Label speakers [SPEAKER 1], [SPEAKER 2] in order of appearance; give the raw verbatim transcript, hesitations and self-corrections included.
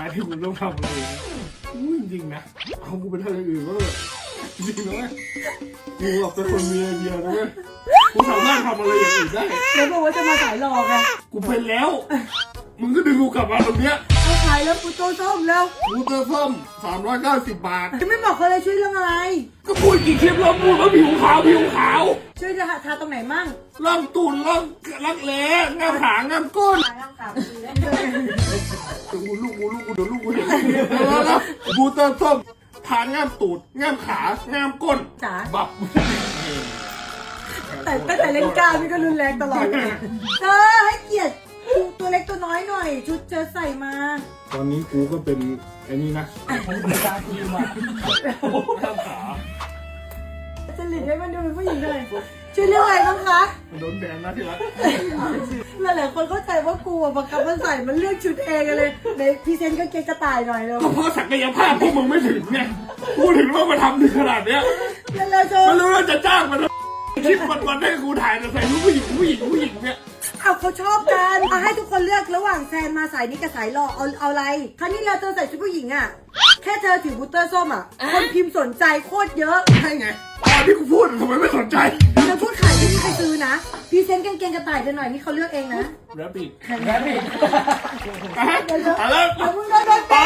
[SPEAKER 1] ที่กูต้องทำอะไรนะอู้จริงๆนะเอากูไปทำอย่างอื่นก็เลยจริงนะเว้ยกูแบบเป็นคนมีไอเดียนะเว้ยกูสามารถทำอะไรอย่างอื่นได้
[SPEAKER 2] แล้วบอกว่าจะมาสายหลอกไง
[SPEAKER 1] กูเป็นแล้วมึงก็ดึงกูกลับมาตรงเนี้ย
[SPEAKER 2] เอาขายแล้วกูโตส้มแล้ว
[SPEAKER 1] กูเตอร์ส้มสามร้อยเก้าสิบบาท
[SPEAKER 2] จะไม่บอกเขาเลยช่วยเรื่องอะไร
[SPEAKER 1] ก็พูดกี่คลิปแล้วพูดว่าผิวขาวผิวขาว
[SPEAKER 2] ช่วยจะหาทาตรงไหนมั่ง
[SPEAKER 1] ล่องตูนล่องลักแร้ง่ามหางง่ามก้น
[SPEAKER 2] ทาล่างกาบดีแล้ว
[SPEAKER 1] กูลูกกูลูกกูเดี๋ยวลูกกูเห็นแล้วนะบูเตอร์ส้มทาง่ามตูดง่ามขาง่ามก้น
[SPEAKER 2] จ๋า
[SPEAKER 1] บับ
[SPEAKER 2] แต่ตั้งแต่เล่นกล้ามนี่ก็รุนแรงตลอดเลยเธอให้เกียรติตัวเล็กตัวน้อยหน่อย ชุดเธอใส่มา
[SPEAKER 1] ตอนนี้กูก็เป็นไอ้นี่นะตาทีมาข้ามขา
[SPEAKER 2] จะหลีดให้มันดูเป็นผู้หญิงหน่อยช่วยเรื่องอะไรบ้างคะ
[SPEAKER 1] โดนแบนนะที่รัก
[SPEAKER 2] หลายๆคนเข้าใจว่ากูอะบังคับมันใส่มันเลือกชุดเองกันเลยในพรีเซนต์ก็เกงกระต่ายหน่อยเลย
[SPEAKER 1] ก็เพราะศักยภาพพวกมึงไม่ถึงไงกูถึงว่ามาทำถึงขนาดเนี้ย
[SPEAKER 2] แล้วเราจะ
[SPEAKER 1] ไม่รู้ว่าจะจ้างมันคลิปวันๆให้กูถ่ายแต่ใส่รูปผู้หญิงผู้หญิงผู้หญิงเนี่ย
[SPEAKER 2] เอาเขาชอบกันเอาให้ทุกคนเลือกระหว่างแซนมาสายนี้กับสายหล่อเอาเอาอะไรครั้นี้เราเธอใส่ชุดผู้หญิงอ่ะแค่เธอถือบูตเตอร์ส้มอ่ะคนพิมพ์สนใจโคตรเยอะ
[SPEAKER 1] ใช่ไงตอนที่กูพูดทำไมไม่สนใจ
[SPEAKER 2] เราพูดขายไม่มีใครซื้อนะพรีเซนต์กางเกงกระต่ายกันหน่อยนี่เขาเลือกเองนะ
[SPEAKER 1] แรปปี้
[SPEAKER 3] แรปปี้
[SPEAKER 1] อ่ะแล้ว
[SPEAKER 2] เดี๋ยวมึงโดนโดน
[SPEAKER 1] ไป